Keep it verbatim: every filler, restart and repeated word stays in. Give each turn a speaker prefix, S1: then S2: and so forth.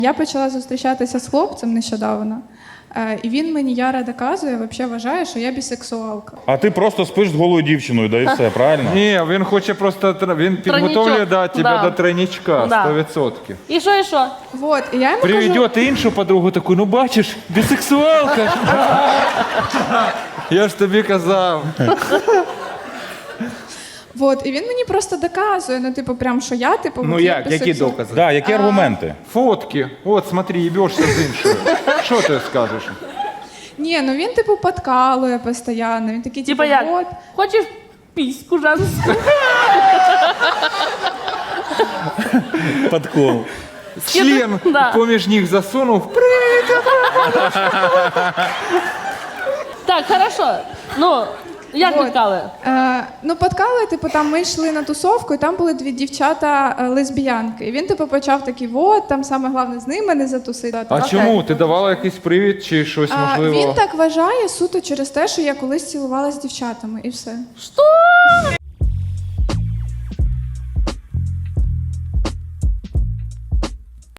S1: Я почала зустрічатися з хлопцем нещодавно, е, і він мені яро доказує, взагалі вважає, що я бісексуалка.
S2: А ти просто спиш з голою дівчиною, да і все, правильно?
S3: Ні, він хоче просто, тр- він підготовлює да, тебе
S4: Да.
S3: до тройничка,
S4: Да.
S3: сто відсотків.
S4: І що, і що?
S1: Вот, і я йому кажу,
S3: Приведет іншу подругу таку, ну бачиш, бісексуалка. Я ж тобі казав.
S1: вот, і він мені просто доказує, ну, типу, прям, що я, типу,
S5: Ну
S1: от я
S5: як, які
S1: бісексуал.
S5: докази?
S2: Да, які аргументи?
S3: Фотки. От, смотри, їбешся з іншою. Що ти скажеш?
S1: Ні, ну він, типу, подкалує постійно, він такий, типу,
S4: Типа як?
S1: от.
S4: Хочеш піську женську?
S2: Подкол.
S3: Член
S4: Да.
S3: поміж ніг засунув.
S4: Так, хорошо. Ну, як
S1: Вот.
S4: відкали?
S1: Е, ну, подкалує, типу, там ми йшли на тусовку, і там були дві дівчата е, лесбіянки. І він, типу, почав такий, вот, там саме головне з ними не затусити.
S3: А
S4: Окей.
S3: чому? Ти давала якийсь привід чи щось
S1: А,
S3: можливо?
S1: він так вважає суто через те, що я колись цілувалася з дівчатами, і все.
S4: Що?